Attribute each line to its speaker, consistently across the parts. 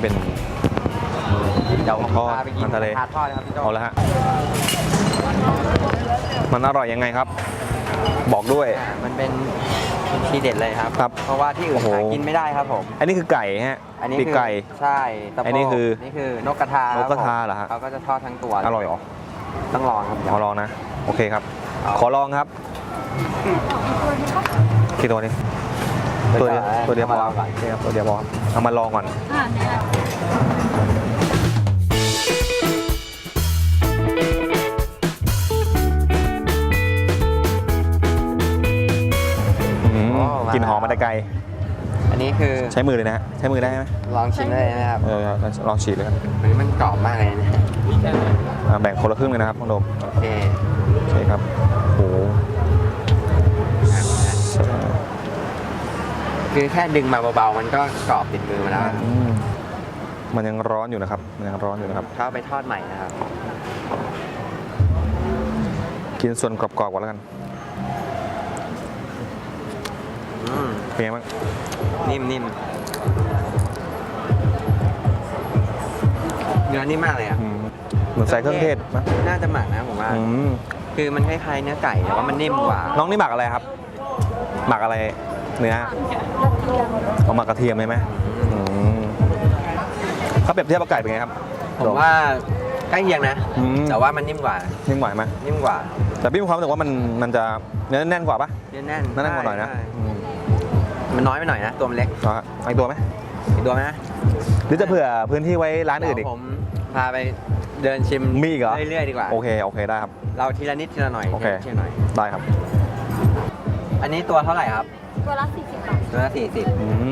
Speaker 1: เป็น
Speaker 2: เดี๋ยวผม
Speaker 1: ทอด
Speaker 2: พาไปกิน
Speaker 1: มันทะเล
Speaker 2: ทาทอดนะครับพี่โจ
Speaker 1: เอาละฮะมันอร่อยยังไงครับ บอกด้วย
Speaker 2: มันเป็นทีเด็ดเลยครับ
Speaker 1: ครับ
Speaker 2: เพราะว่าที่อื่น
Speaker 1: โอ้โห
Speaker 2: หากินไม่ได้ครับผม
Speaker 1: อันนี้คือไก่ฮะ
Speaker 2: อันนี้
Speaker 1: ปีก
Speaker 2: คือ
Speaker 1: ไก่
Speaker 2: ใช่ตะโพก
Speaker 1: อันนี้คือ
Speaker 2: นี่คือนกกระทาน
Speaker 1: กกระทาเหรอฮะ
Speaker 2: เขาก็จะทอดทั้งตัว
Speaker 1: อร่อยเหรอ
Speaker 2: ต้องลองครับ
Speaker 1: ขอลองนะ โอเคครับ ขอลองครับกี่ตัวนี้ตัวเดียวตัวเดียวพอ
Speaker 2: มาลองก่อน
Speaker 1: โอเคครับตัวเดียวพอครับเอามาลองก่อนกลิ่นหอมมาแต่ไกล
Speaker 2: อันนี้คือ
Speaker 1: ใช้มือเลยนะฮะใช้มือได้ไหม
Speaker 2: ลองชิมได้เลยนะครับ
Speaker 1: ลองฉีดเลยครับ
Speaker 2: อันนี้มันกรอบมากเลยนะ
Speaker 1: แบ่งคนละครึ่งเลยนะครับน้องโดม
Speaker 2: โอเค
Speaker 1: โอเคครับโอ้โห
Speaker 2: คือแค่ดึงมาเบาๆมันก็กรอบติดมือมาแล้ว
Speaker 1: มันยังร้อนอยู่นะครับมันยังร้อนอยู่นะครับ
Speaker 2: เขาเอาไปทอดใหม่นะครับ
Speaker 1: กินส่วนกรอบๆก่อนแล้วกันเป็นไงบ้าง
Speaker 2: นิ่มเนื้อนิ่มมากเลยอ่ะ
Speaker 1: เหมือนใส่เครื่องเทศนะ
Speaker 2: น่าจะหมักนะผมว่า คือมันคล้ายๆเนื้อไก่แต่ว่ามันนิ่มกว่า
Speaker 1: น้องนี่หมักอะไรครับ หมักอะไรเนื้อเอาหมักกระเทียมไหมเขาเปรียบเทียบกับไก่เป็นไงครับ
Speaker 2: ผมว่าใกล้เคียงนะ แต่ว่ามันนิ่มกว่า
Speaker 1: นิ่มกว่าไหม
Speaker 2: นิ่มกว่า
Speaker 1: แต่พี่มีความรู้สึกว่ามันจะเนื้อแน่นกว่าปะ
Speaker 2: เนื้อแน่น
Speaker 1: แน่นกว่าหน่อยนะ
Speaker 2: ใช่มันน้อยไปหน่อยนะ ตัวมันเล็ก
Speaker 1: เอาอีกตัวไหม
Speaker 2: อีกตัวไหมนะ
Speaker 1: หรือจะเผื่อพื้นที่ไว้ร้านอื่นอีก
Speaker 2: เดี๋ยวผมพาไปเดินชิม
Speaker 1: มีอีกเหรอ
Speaker 2: เรื่อยๆดีกว่า
Speaker 1: โอเคได้ครับ
Speaker 2: เราทีละนิดทีละหน่อย
Speaker 1: โอเค
Speaker 2: ทีละหน่อย
Speaker 1: ได้ครับ
Speaker 2: อันนี้ตัวเท่าไหร่ครับ
Speaker 3: ตัวละ40 บาท
Speaker 2: ตัวละ40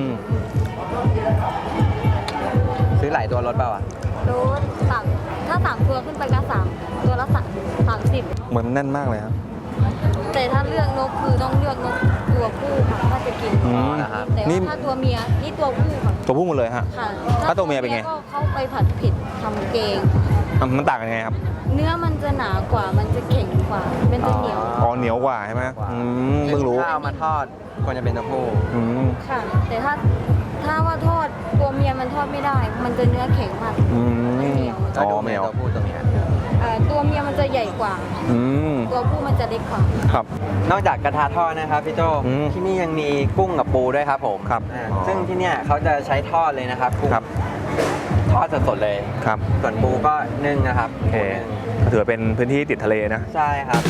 Speaker 2: ซื้อหลายตัวลดเปล่าอ่ะ
Speaker 3: รถสั่งถ้า3ตัวขึ้นไปก็3ตัวละ30
Speaker 1: เหมือนแน่นมากเลยครับ
Speaker 3: แต่ถ้าเลือกนกคือต้องเลือกนกตัวผู้ค่ะถ้าจะกิน
Speaker 2: นะครับ
Speaker 3: แต่
Speaker 1: นี่
Speaker 3: ว่าถ้าตัวเมียนี่ตัวผู้ค่ะ
Speaker 1: ตัวผู้หมดเลยฮะ
Speaker 3: ค่ะ
Speaker 1: ถ้าตัวเมียเป็นไง
Speaker 3: ก็เข้าไปผัดเผ็ดทำเกง
Speaker 1: มันต่างกันยังไงครับ
Speaker 3: เนื้อมันจะหนากว่ามันจะแข็งกว่ามันจะเหนียว
Speaker 1: อ๋อเหนียวกว่าใช่ไหมเพิ่งรู้
Speaker 2: ถ้าเอามาทอดควรจะเป็นตัวผู้
Speaker 3: ค่ะ แต่ถ้าว่าทอดตัวเมียมันทอดไม่ได้ มันจะเนื้อแข็งมากมันเหนียว
Speaker 2: ก็ดู
Speaker 1: เหนียว
Speaker 2: ตัวผู้ตัวเมีย
Speaker 3: ตัวเมียมันจะใหญ่กว่า ตัวผู้มันจะเล็กกว่า
Speaker 1: ครับ
Speaker 2: นอกจากกระทะทอดนะครับพี่โจที่นี่ยังมีกุ้งกับปูด้วยครับผม
Speaker 1: ครับ
Speaker 2: ซึ่งที่เนี่ยเขาจะใช้ทอดเลยนะครับกุ้ง
Speaker 1: ครับ
Speaker 2: ทอดสดๆเลย
Speaker 1: ครับ
Speaker 2: ส่วนปูก็นึ่งนะครับ
Speaker 1: โอเคก็ถือว่าเป็นพื้นที่ติดทะเลนะ
Speaker 2: ใช่ครับ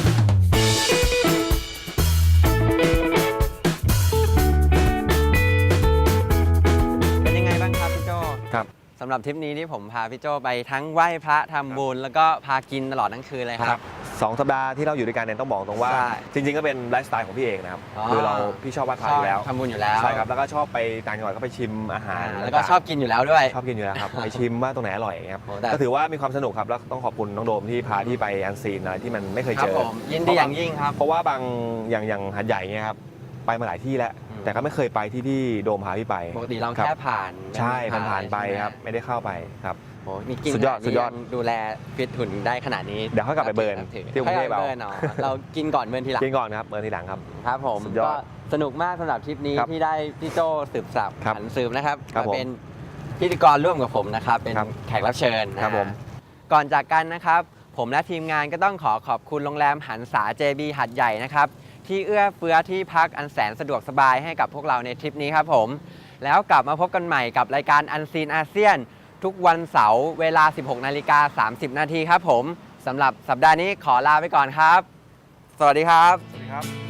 Speaker 2: เป็นยังไงบ้างครับพี่โจ
Speaker 1: ครับ
Speaker 2: สำหรับทริปนี้ที่ผมพาพี่โจไปทั้งไหว้พระทำบุญแล้วก็พากินตลอดทั้งคืนเลยครับ
Speaker 1: 2 สัปดาห์ที่เราอยู่ด้วยกันเนี่ยต้องบอกตรงว่า
Speaker 2: ใช่
Speaker 1: จริงๆก็เป็นไลฟ์สไตล์ของพี่เองนะครับ
Speaker 2: อ๋อ
Speaker 1: คือพี่ชอบไหว้พระอยู่แล้ว
Speaker 2: ทำบุญอยู่แล้ว
Speaker 1: ใช่ครับแล้วก็ชอบไปต่างจังหวัดก็ไปชิมอาหาร
Speaker 2: แล้วก็ชอบกินอยู่แล้วด้วย
Speaker 1: ชอบกินอยู่แล้วครับ ไปชิมว่าตรงไหนอร่อยครับ
Speaker 2: โอ้แต่
Speaker 1: ก็ถือว่ามีความสนุกครับแล้วต้องขอบคุณน้องโดมที่พาที่ไปอันซีนอะไรที่มันไม่เคย
Speaker 2: ครั
Speaker 1: เจ
Speaker 2: บ
Speaker 1: อ
Speaker 2: ผมยินดีอย่างยิ่งครับ
Speaker 1: เพราะว่าบางอย่างหัดใหญ่เนี่ยครับไปมาหลายที่แล้ว แต่ก็ไม่เคยไปที่โดมพาพี่ไป
Speaker 2: ปกติเรา
Speaker 1: ครับ
Speaker 2: แค่ผ่าน
Speaker 1: ใช่ผ่านๆไปครับไม่ได้เข้าไปครับ
Speaker 2: โอ้นี่กิน
Speaker 1: สุดยอด
Speaker 2: ขนา
Speaker 1: สุดยอด
Speaker 2: นี่งดูแลฟิตหุ่นได้ขนาดนี้
Speaker 1: เดี๋ยวค่อยกลับไปเบิร์นที่กรุงเทพ
Speaker 2: ค่อยกลับไปเบิร์นเรากินก่อนเบิร์นทีหลัง
Speaker 1: กินก่อนครับเมื่อทีหลังครับ
Speaker 2: ครับผม
Speaker 1: สุดยอด
Speaker 2: ก็สนุกมากสำหรับทริปนี้
Speaker 1: ครับ
Speaker 2: ที่ได้พี่โจสืบสับ
Speaker 1: ครับ
Speaker 2: หันสืบนะครับ
Speaker 1: ครับ
Speaker 2: มาเป็นพิธีกรร่วมกับผมนะครับเป็น
Speaker 1: ครับ
Speaker 2: แขกรับเชิญนะครับ
Speaker 1: ผม
Speaker 2: ก่อนจากกันนะครับผมและทีมงานก็ต้องขอบคุณโรงแรมหันษา JB หัดใหญ่นะครับที่เอื้อเฟื้อที่พักอันแสนสะดวกสบายให้กับพวกเราในทริปนี้ครับผมแล้วกลับมาพบกันใหม่กับรายการอันซีนอาเซียนทุกวันเสาร์เวลา 16:30 นาทีครับผมสำหรับสัปดาห์นี้ขอลาไปก่อนครับ สวัสดีครับ
Speaker 1: สวัสดีครับ